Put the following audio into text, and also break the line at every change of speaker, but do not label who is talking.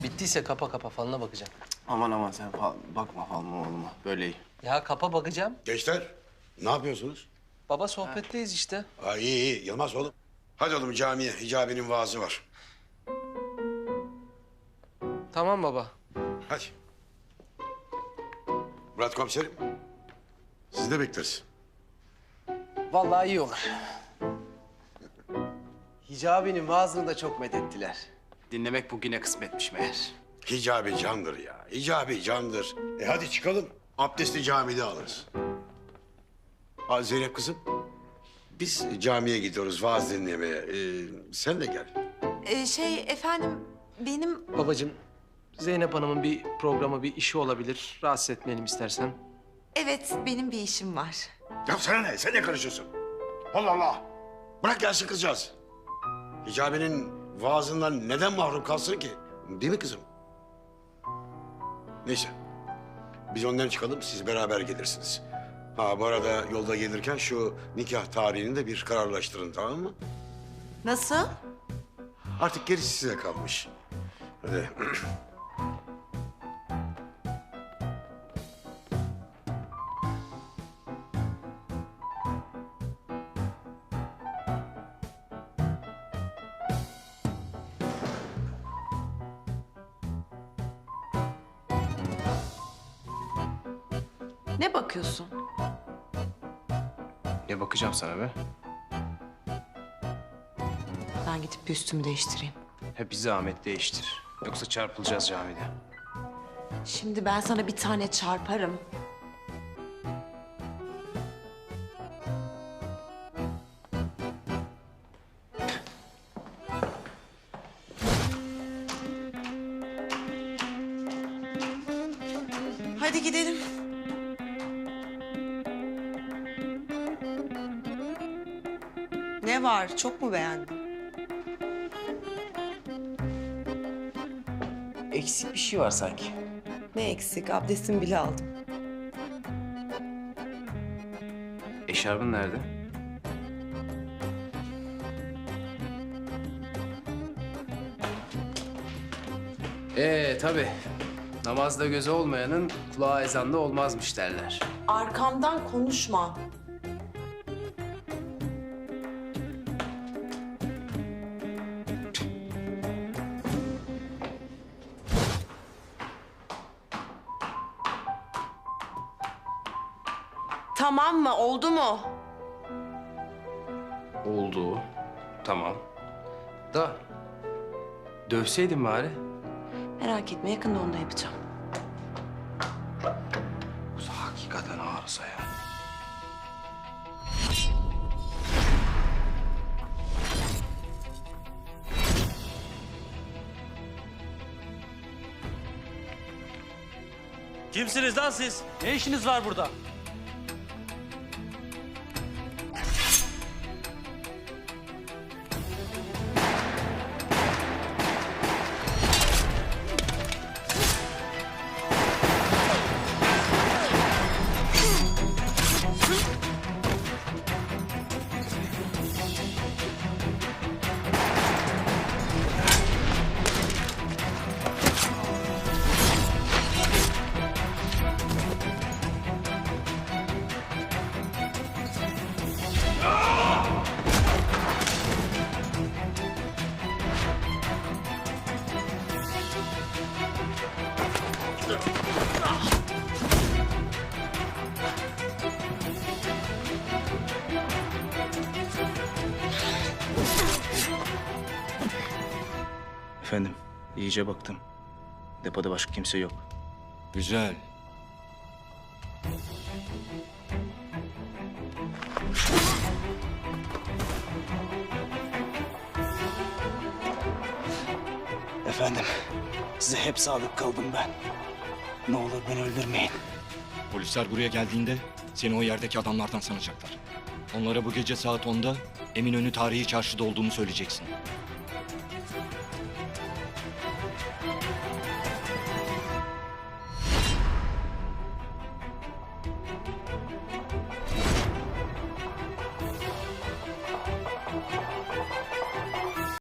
Bittiyse kapa falına bakacağım.
Aman sen bakma falan oğluma. Böyle iyi.
Ya kapa bakacağım.
Gençler, ne yapıyorsunuz?
Baba sohbetteyiz işte.
Ha, iyi. Yılmaz oğlum. Hadi oğlum camiye. Hicabi'nin vaazı var.
Tamam baba.
Hadi. Murat komiserim. Sizi de bekleriz.
Vallahi iyi olur. Hicabi'nin vaazını da çok methettiler. Dinlemek bugüne kısmetmiş meğer.
Hicabi candır ya. Hicabi candır. Hadi çıkalım. Abdesti camide alırız. Ha, Zeynep kızım. Biz camiye gidiyoruz vaaz dinlemeye. Sen de gel.
Efendim benim
Babacığım, Zeynep Hanım'ın bir programı, bir işi olabilir. Rahatsız etmeyelim istersen.
evet benim bir işim var.
Ya sana ne? Sen ne karışıyorsun? Allah Allah. Bırak gelsin kızcağız. Hicabi'nin vaazından neden mahrum kalsın ki? Değil mi kızım? Neyse. Biz önden çıkalım, siz beraber gelirsiniz. Ha, bu arada yolda gelirken şu nikah tarihini de bir kararlaştırın, tamam mı?
Nasıl?
Artık gerisi size kalmış. Hadi.
Ne bakıyorsun?
Ne bakacağım sana be?
Ben gidip bir üstümü değiştireyim.
Hep bir zahmet değiştir. Yoksa çarpılacağız camide.
Şimdi ben sana bir tane çarparım. Hadi gidelim. Ne var? Çok mu beğendin?
Eksik bir şey var sanki.
Ne eksik? Abdestimi bile aldım.
Eşarbın nerede? Tabii. Namazda gözü olmayanın kulağı ezanda olmazmış derler.
Arkamdan konuşma. Tamam mı? Oldu mu?
Oldu. Tamam. Da dövseydin bari.
Merak etme, yakında onu da yapacağım.
Bu hakikaten arıza ya.
Kimsiniz lan siz? Ne işiniz var burada?
Efendim, iyice baktım. Depoda başka kimse yok.
Güzel.
Efendim, size hep sadık kaldım ben. Ne olur beni öldürmeyin.
Polisler buraya geldiğinde seni o yerdeki adamlardan sanacaklar. Onlara bu gece saat 10'da Eminönü Tarihi Çarşı'da olduğunu söyleyeceksin.